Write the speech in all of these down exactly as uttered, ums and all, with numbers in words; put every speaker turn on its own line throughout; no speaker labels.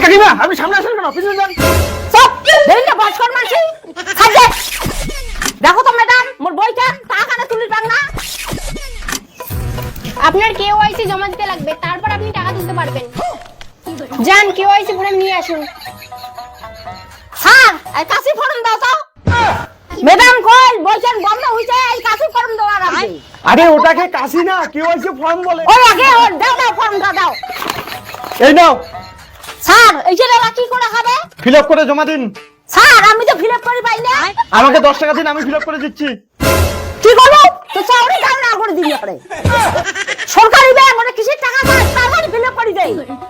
কাকিমা আপনি সামনে আসেন কেন? পিছনে যান।
চুপ, দেরিতে বয়স কর মানছি। সাজে। দেখো তো ম্যাডাম, মোর বইটা টাকা না তুলি পান না।
আপনার কেওয়াইসি জমা দিতে লাগবে, তারপর আপনি টাকা তুলতে পারবেন। যান কেওয়াইসি ফর্ম নিয়ে আসুন।
স্যার, এই কাশি ফর্ম দাও তো। ম্যাডাম কই বইছেন বন্ধ হইছে, এই কাশি ফর্ম দেওয়া লাগবে।
আরে ওটাকে কাশি না, কেওয়াইসি ফর্ম বলে।
ওই আগে ওর দাও দাও ফর্মটা দাও।
এই নাও,
স্যার, এই যে কি করে হবে?
ফিল আপ করে জমা দিন।
স্যার, আমি তো ফিল আপ করি পাই না।
আমাকে দশ টাকা দিন, আমি ফিল আপ করে দিচ্ছি।
কি করবো? তো চাউরি দাম না করে দিবি আপনি। সরকারি ব্যাংক মানে কিসের টাকা পায়, তারপরে ফিল আপ করে দেই।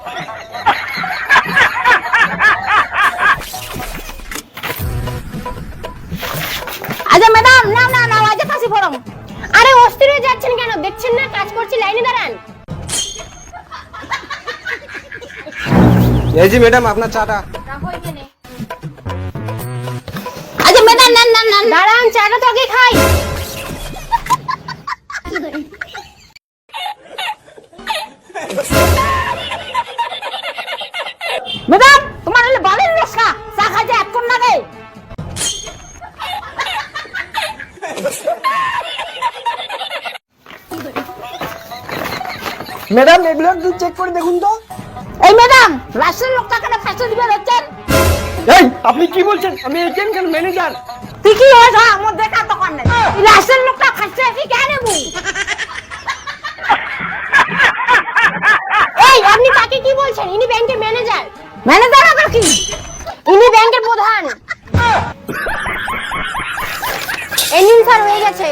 আচ্ছা ম্যাডাম, না না না, আজ কাশি ফর্ম।
আরে অস্থির হয়ে যাচ্ছেন কেন? দেখছেন না কাজ করছি, লাইনে দাঁড়ান।
এই জি ম্যাডাম আপনার চাটা।
রাখো এখানে।
আচ্ছা ম্যাডাম, না না না,
দাঁড়ান, চাটা তো আগে খাই।
ম্যাডাম তোমার হলে বালের রসা চা খাইতে এতক্ষণ লাগে।
ম্যাডাম এগুলো একটু চেক করে দেখুন তো।
এই ম্যাডাম, রাষ্ট্রের লোকটা কেন ফাঁসি দিবে হচ্ছেন?
এই আপনি কি বলছেন? আমি এটিএম কেন ম্যানেজার।
তুই কি হয়েছ আমার দেখা তখন নাই। এই রাষ্ট্রের লোকটা ফাঁসি কি কেন নেবো?
এই আপনি তাকে কি বলছেন? ইনি ব্যাংকের ম্যানেজার।
ম্যানেজার আবার কি?
ইনি ব্যাংকের প্রধান। এই নিন স্যার, হয়ে গেছে।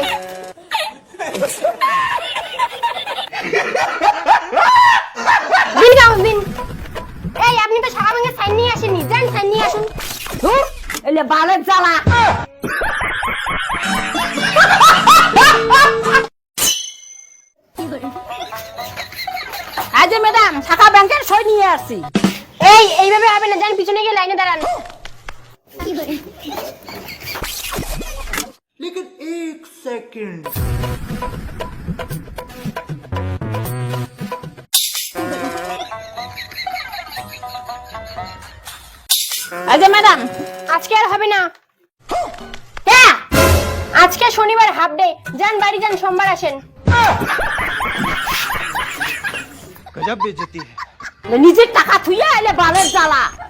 দিন কাগজ দিন। এই আপনি তো সারা ব্যাংকের সাইন নিয়ে আসেননি, যান সাইন নিয়ে আসুন।
ধুর, এলে বালের জ্বালা। আজ ম্যাডাম শাখা ব্যাংকের সই নিয়ে আসছি।
এই এইভাবে হবে না, যান পিছনে গিয়ে লাইনে দাঁড়ান।
लेकिन एक सेकंड
আজ ম্যাডাম
আজকে আর হবে না,
কে?
আজকে শনিবার হাফ ডে, যান বাড়ি যান, সোমবার আসেন।
गजब बेइज्जती है।
নিজের টাকা থুইয়া এলে বালের জ্বালা।